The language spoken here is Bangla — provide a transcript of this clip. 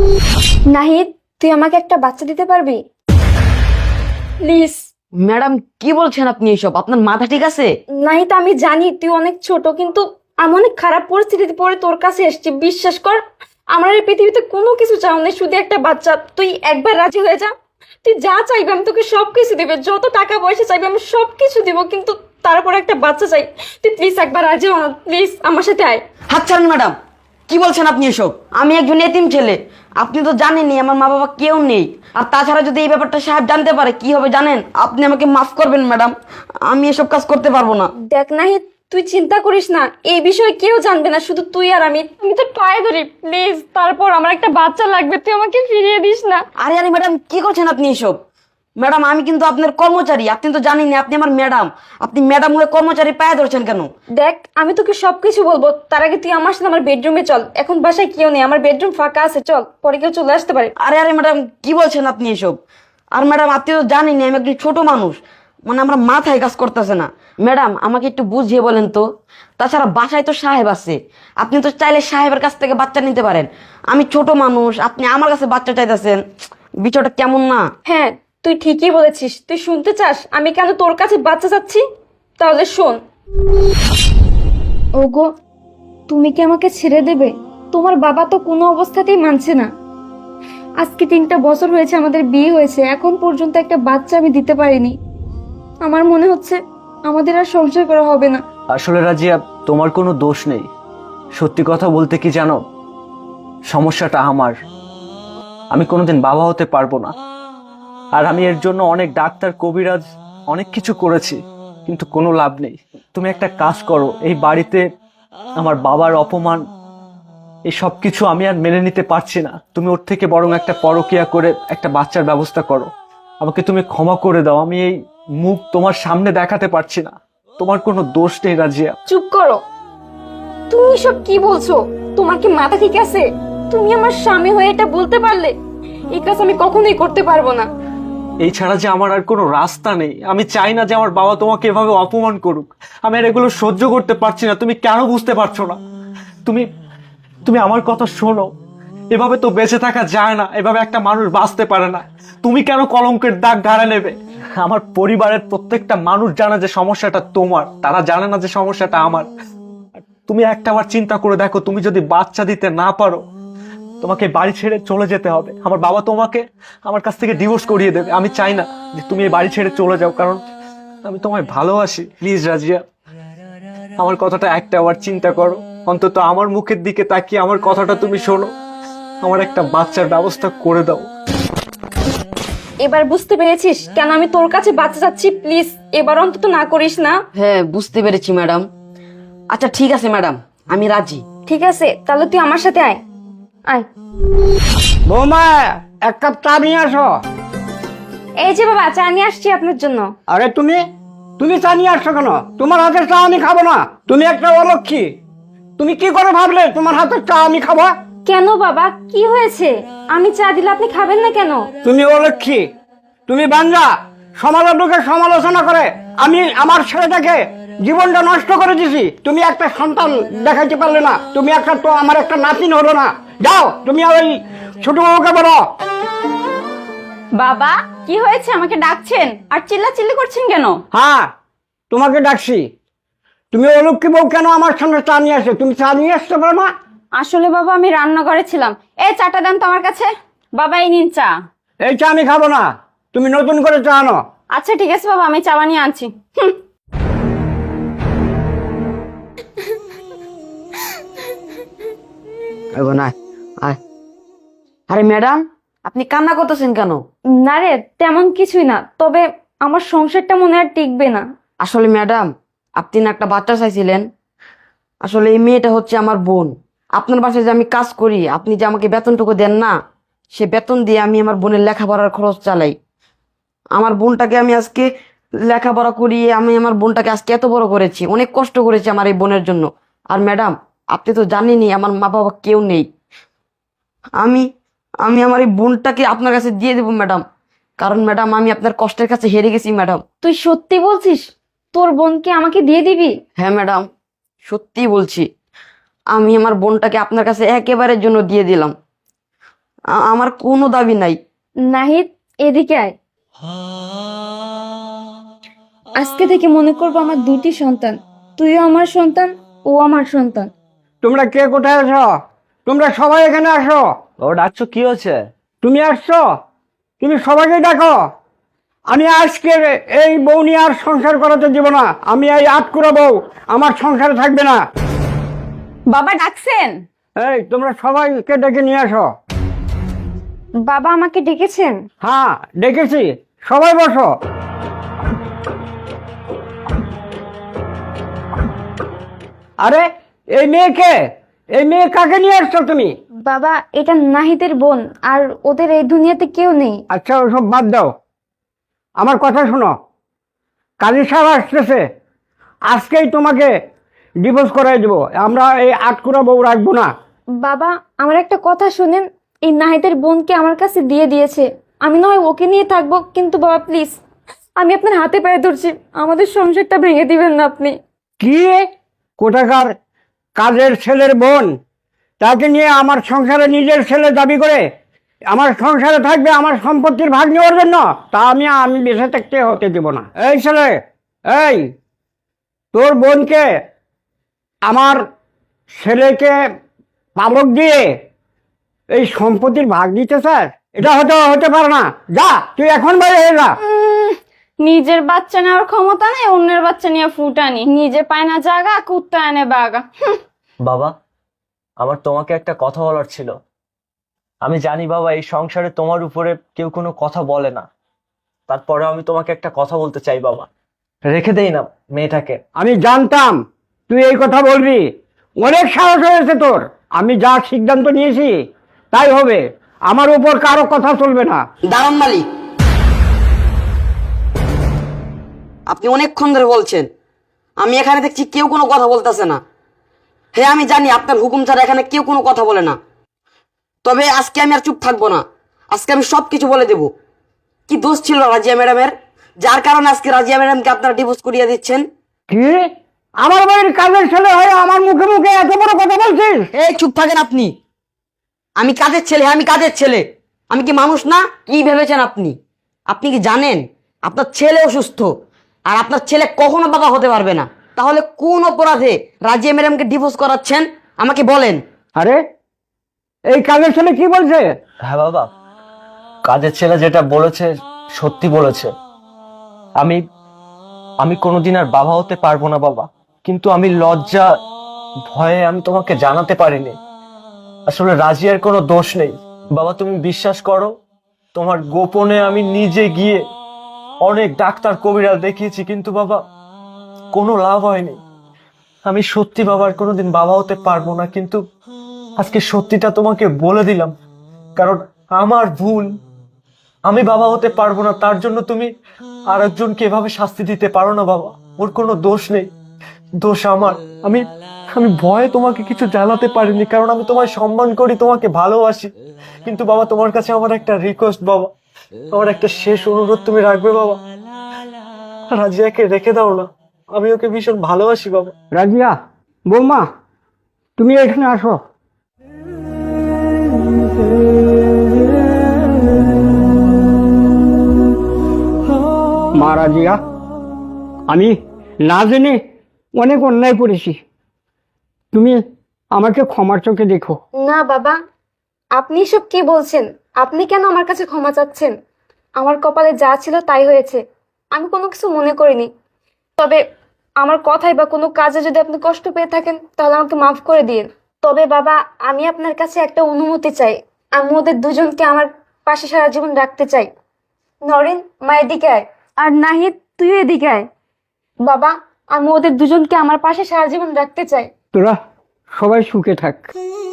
নাহিদ, তুই আমাকে একটা বাচ্চা দিতে পারবি প্লিজ? ম্যাডাম কি বলছেন আপনি এসব? আপনার মাথা ঠিক আছে? নাহিদ, আমি জানি তুই অনেক ছোট, কিন্তু আমি অনেক খারাপ পরিস্থিতিতে পড়ে তোর কাছে এসেছি। বিশ্বাস কর, আমার এই পৃথিবীতে কোনো কিছু চাও না, শুধু একটা বাচ্চা। তুই একবার রাজি হয়ে যা। তুই যা চাইবি আমি তোকে সবকিছু দিবে, যত টাকা পয়সা চাইবি আমি সবকিছু দিব, কিন্তু তারপর একটা বাচ্চা চাই। তুই প্লিজ একবার রাজি হ না, প্লিজ আমার সাথে আয়। হাত ছাড়েন ম্যাডাম, কি বলছেন আপনি এসব? আমি একজন এতিম ছেলে, আপনি তো জানেনই আমার মা বাবা কেউ নেই। আর তাছাড়া যদি এই ব্যাপারটা সাহেব জানতে পারে কি হবে জানেন? আপনি আমাকে মাফ করবেন ম্যাডাম, আমি এসব কাজ করতে পারবো না। দেখ নাহিদ, তুই চিন্তা করিস না, এই বিষয়ে কেউ জানবে না, শুধু তুই আর আমি। আমি তো পায়ে ধরি প্লিজ, তারপর আমার একটা বাচ্চা লাগবে, তুই আমাকে ফিরিয়ে দিস না। আরে আরে ম্যাডাম, কি করছেন আপনি এসব? ম্যাডাম আমি কিন্তু আপনার কর্মচারী, আপনি তো জানেনই আপনি আমার ম্যাডাম। আপনি ম্যাডাম হয়ে কর্মচারী পায়ে ধরছেন কেন? দেখ, আমি তোকে সবকিছু বলবো, তার আগে তুই আমার সাথে আমার বেডরুমে চল। এখন বাসায় কেউ নেই, আমার বেডরুম ফাঁকা আছে, চল, পরে কেউ চলে আসতে পারে। আরে আরে ম্যাডাম, কি বলছেন আপনি এসব? আর ম্যাডাম আপনি তো জানেনই আমি একজন ছোট মানুষ, মানে আমার মাথায় কাজ করতেছে না। ম্যাডাম আমাকে একটু বুঝিয়ে বলেন তো। তাছাড়া বাসায় তো সাহেব আছে, আপনি তো চাইলে সাহেবের কাছ থেকে বাচ্চা নিতে পারেন। আমি ছোট মানুষ, আপনি আমার কাছে বাচ্চা চাইতেছেন, বিষয়টা কেমন না? হ্যাঁ, তুই ঠিকই বলেছিস। তুই শুনতে চাস আমি কেন তোর কাছে বাচ্চা চাচ্ছি? তাহলে শোন। ওগো, তুমি কি আমাকে ছেড়ে দেবে? তোমার বাবা তো কোনো অবস্থাতেই মানছে না। আজকে 3টা বছর হয়েছে আমাদের বিয়ে হয়েছে, এখন পর্যন্ত একটা বাচ্চা আমি দিতে পারিনি। আমার মনে হচ্ছে আমাদের আর সংসার করা হবে না। আসলে রাজিয়া, তোমার কোনো দোষ নেই। সত্যি কথা বলতে কি জানো, সমস্যাটা আমার। আমি কোনোদিন বাবা হতে পারবো না। আর আমি এর জন্য অনেক ডাক্তার, কবিরাজ, অনেক কিছু করেছি, কিন্তু কোনো লাভ নেই। তুমি একটা কাজ করো, এই বাড়িতে আমার বাবার অপমান, এই সব কিছু আমি আর মেনে নিতে পারছি না। তুমি ওর থেকে বরং একটা পরকীয়া করে একটা বাচ্চার ব্যবস্থা করো। আমাকে তুমি ক্ষমা করে দাও, আমি এই মুখ তোমার সামনে দেখাতে পারছি না। তোমার কোনো দোষ নেই রাজিয়া। চুপ করো। তুমি সব কি বলছো? তোমার কি মাথা ঠিক আছে? তুমি আমার স্বামী হয়ে এটা বলতে পারলে? এই কাজ আমি কখনোই করতে পারবো না। এই ছাড়া যে আমার আর কোনো রাস্তা নেই। আমি চাই না যে আমার বাবা তোমাকে এভাবে অপমান করুক। আমি আর এগুলো সহ্য করতে পারছি না। তুমি কেন বুঝতে পারছো না? তুমি তুমি আমার কথা শোনো। এভাবে তো বেঁচে থাকা যায় না, এভাবে একটা মানুষ বাঁচতে পারে না। তুমি কেন কলঙ্কের দাগ ঘাড়ে নেবে? আমার পরিবারের প্রত্যেকটা মানুষ জানে যে সমস্যাটা তোমার, তারা জানে না যে সমস্যাটা আমার। তুমি একটাবার চিন্তা করে দেখো, তুমি যদি বাচ্চা দিতে না পারো, তোমাকে বাড়ি ছেড়ে চলে যেতে হবে। আমার বাবা তোমাকে আমার কাছ থেকে ডিভোর্স করিয়ে দেবে। আমি চাই না যে তুমি এই বাড়ি ছেড়ে চলে যাও, কারণ আমি তোমায় ভালোবাসি। প্লিজ রাজিয়া, আমার কথাটা একটাবার চিন্তা করো। অন্তত আমার মুখের দিকে তাকিয়ে আমার কথাটা তুমি শোনো। আমার একটা বাচ্চার ব্যবস্থা করে দাও। এবার বুঝতে পেরেছিস কেন আমি তোর কাছে বাচ্চা চাচ্ছি? প্লিজ এবার অন্তত না করিস না। হ্যাঁ বুঝতে পেরেছি ম্যাডাম। আচ্ছা ঠিক আছে ম্যাডাম, আমি রাজি। ঠিক আছে, তাহলে তুই আমার সাথে আয়। আয়। বৌমা, এক কাপ চা নিয়ে আসো। এই যে বাবা, চা নিয়ে আসছি আপনার জন্য। আরে তুমি তুমি চা নিয়ে আসছো কেন? তোমার হাতের চা আমি খাবো না। তুমি একটা অলক্ষী। তুমি কি করে ভাবলে তোমার হাতের চা আমি খাবো? কেন বাবা, কি হয়েছে? আমি চা দিলে আপনি খাবেন না কেন? তুমি অলক্ষী, তুমি বাঞ্জা। সমাজের লোকে সমালোচনা করে আমি আমার ছেলেটাকে জীবনটা নষ্ট করে দিছি। তুমি একটা সন্তান দেখাইতে পারলে না। তুমি একটা তো আমার একটা নাতিন হলো না। যাও, তুমি ওই ছোট বাবুকে বলো। বাবা, কি হয়েছে? আমাকে ডাকছেন আর চিল্লাচিল্লি করছেন কেন? হ্যাঁ, তোমাকে ডাকছি। তুমি অলক্ষী বউ কেন আমার সামনে চা নিয়ে আসে? তুমি চা নিয়ে আসতে পারো না? আসলে বাবা, আমি রান্নাঘরে ছিলাম। এই চাটা দেন তো আমার কাছে। বাবা, এই নিন চা। এই চা আমি খাবো না। তুমি নতুন করে চা আনো। আচ্ছা ঠিক আছে বাবা, আমি চা বানিয়ে আনছি। হুম। আয়। আরে ম্যাডাম, আপনি কান্না করতেছেন কেন? না রে, তেমন কিছুই না, তবে আমার সংসারটা মনে আর টিকবে না। আসলে ম্যাডাম, আপনি না একটা বাচ্চা চাইছিলেন। আসলে এই মেয়েটা হচ্ছে আমার বোন। আপনার বাসায় যে আমি কাজ করি, আপনি যে আমাকে বেতনটুকু দেন না, সে বেতন দিয়ে আমি আমার বোনের লেখাপড়ার খরচ চালাই। আমার বোনটাকে আমি আজকে লেখাপড়া করিয়ে আমি আমার বোনটাকে আজকে এত বড় করেছি, অনেক কষ্ট করেছি আমার এই বোনের জন্য। আর ম্যাডাম, আপনি তো জানেনই আমার মা বাবা কেউ নেই। আমি আমি আমার এই বোনটাকে আপনার কাছে দিয়ে দেবো ম্যাডাম, কারণ ম্যাডাম আমি আপনার কষ্টের কাছে হেরে গেছি ম্যাডাম। তুই সত্যি বলছিস? তোর বোনকে আমাকে দিয়ে দিবি? হ্যাঁ ম্যাডাম, সত্যি বলছি। আমি আমার বোনটাকে আপনার কাছে একেবারের জন্য দিয়ে দিলাম। আমার কোনো দাবি নাই। নাহিদ, এদিকে আয়। আজকে থেকে মনে করবো আমার দুটি সন্তান, তুইও আমার সন্তান, ও আমার সন্তান। তোমরা কে কোথায় আছো? তোমরা সবাই এখানে আসো। ও ডাকছো, কি হচ্ছে? তুমি আসছো, তুমি সবাইকে ডাকো। আমি আজকে এই বউ নিয়ে আর সংসার করাতে দিব না। আমি এই আটকুড়া বউ আমার সংসারে থাকবে না। বাবা ডাকছেন? এই তোমরা সবাইকে ডেকে নিয়ে আসো। বাবা আমাকে ডেকেছেন? হ্যাঁ ডেকেছি, সবাই বসো। আরে এই মেয়েকে, এই মেয়ে কাকে নিয়ে আসছো তুমি? বাবা, এটা নাহিদের বোন, আর ওদের এই দুনিয়াতে কেউ নেই। আচ্ছা ওসব বাদ দাও, আমার কথা শোনো। কাজী সাহেব আসতেছে, আজকেই তোমাকে ডিভোর্স করাই দেবো। আমরা এই আটকুড়া বউ রাখবো না। বাবা, আমার একটা কথা শুনেন, এই নাহিদের বোনকে আমার কাছে দিয়ে দিয়েছে। আমি নয় ওকে নিয়ে থাকবো, কিন্তু বাবা প্লিজ, আমি আপনার হাতে পায়ে ধরছি, আমাদের সংসারটা ভেঙে দিবেন না আপনি। কি কোথাকার কাজের ছেলের বোন, তাকে নিয়ে আমার সংসারে নিজের ছেলে দাবি করে আমার সংসারে থাকবে আমার সম্পত্তির ভাগ নেওয়ার জন্য? তা আমি বেঁচে থাকতে হতে দেব না। এই ছেলে, এই তোর বোনকে আমার ছেলেকে পালক দিয়ে এই সম্পত্তির ভাগ দিতে স্যার, এটা হতে পারে না। যা তুই এখন বাইরে হয়ে যা। নিজের বাচ্চা নেওয়ার ক্ষমতা নেই, অন্যের বাচ্চা নিয়ে ফুটানি। নিজে পায় না জাগা, কুত্তা এনে বাগা। বাবা, আমার তোমাকে একটা কথা বলার ছিল। আমি জানি বাবা, এই সংসারে তোমার উপরে কেউ কোনো কথা বলে না, তারপরে আমি তোমাকে একটা কথা বলতে চাই বাবা। রেখে দেই না মেয়েটাকে। আমি জানতাম তুই এই কথা বলবি, অনেক সাহস হয়েছে তোর। আমি যা সিদ্ধান্ত নিয়েছি তাই হবে, আমার উপর কারো কথা চলবে না। দাঁড়ান মালিক, আপনি অনেকক্ষণ ধরে বলছেন, আমি এখানে দেখছি কেউ কোনো কথা বলতেছে না। হ্যাঁ আমি জানি আপনার হুকুম ছাড়া এখানে কেউ কোনো কথা বলে না, তবে আজকে আমি আর চুপ থাকবো না। আজকে আমি সব কিছু বলে দেব। কি দোষ ছিল রাজিয়া ম্যাডামের, যার কারণে আজকে রাজিয়া ম্যাডামকে আপনারা ডিভোর্স করিয়ে দিচ্ছেন? কি আমার বাড়ির কাজের ছেলে হয়ে আমার মুখে মুখে এত বড় কথা বলছিস? এই চুপ থাকেন আপনি। আমি কাজের ছেলে, আমি কাজের ছেলে, আমি কি মানুষ না? কি ভেবেছেন আপনি? আপনি কি জানেন আপনার ছেলে অসুস্থ, আর আপনার ছেলে কখনো বাবা হতে পারবে না? তাহলে কোন অপরাধে রাজিয়া ম্যাডামকে ডিভোর্স করাচ্ছেন আমাকে বলেন। আরে এই কাজের ছেলে কি বলছে? হ্যাঁ বাবা, কাজের ছেলে যেটা বলেছে সত্যি বলেছে। আমি আমি কোনোদিন আর বাবা হতে পারবো না বাবা, কিন্তু আমি লজ্জা ভয়ে আমি তোমাকে জানাতে পারিনি। আসলে রাজিয়ার কোনো দোষ নেই বাবা, তুমি বিশ্বাস করো। তোমার গোপনে আমি নিজে গিয়ে অনেক ডাক্তার কবিরাজ দেখিয়েছি, কিন্তু বাবা কোনো লাভ হয়নি। আমি সত্যি বাবার কোনোদিন বাবা হতে পারবো না, কিন্তু আজকে সত্যিটা তোমাকে বলে দিলাম, কারণ আমার ভুল। আমি বাবা হতে পারবো না, তার জন্য তুমি আরেকজনকে এভাবে শাস্তি দিতে পারো না বাবা। ওর কোনো দোষ নেই, দোষ আমার। আমি আমি ভয়ে তোমাকে কিছু জানাতে পারিনি, কারণ আমি তোমায় সম্মান করি, তোমাকে ভালোবাসি। কিন্তু বাবা, তোমার কাছে আমার একটা রিকোয়েস্ট বাবা, আমার একটা শেষ অনুরোধ, তুমি রাখবে বাবা? রাজিয়াকে রেখে দাও না, আমি ওকে ভীষণ ভালোবাসি বাবা। রাজিয়া, বৌমা তুমি এখানে আসো। মা রাজিয়া, আমি না জেনে অনেক অন্যায় করেছি, তুমি আমাকে ক্ষমার চোখে দেখো। না বাবা, আপনি সব কি বলছেন? আপনি কেন আমার কাছে ক্ষমা চাচ্ছেন? আমার কপালে যা ছিল তাই হয়েছে, আমি কোনো কিছু মনে করিনি। তবে আমার কথায় বা কোনো কাজে যদি আপনি কষ্ট পেয়ে থাকেন তাহলে আমাকে মাফ করে দিন। তবে বাবা, আমি আপনার কাছে একটা অনুমতি চাই। আমি ওদের দুজনকে আমার পাশে সারা জীবন রাখতে চাই। নরেন, মা এদিকে আয়। আর নাহিদ, তুইও এদিকে আয়। বাবা, আমি ওদের দুজনকে আমার পাশে সারা জীবন রাখতে চাই। তোরা সবাই সুখে থাক।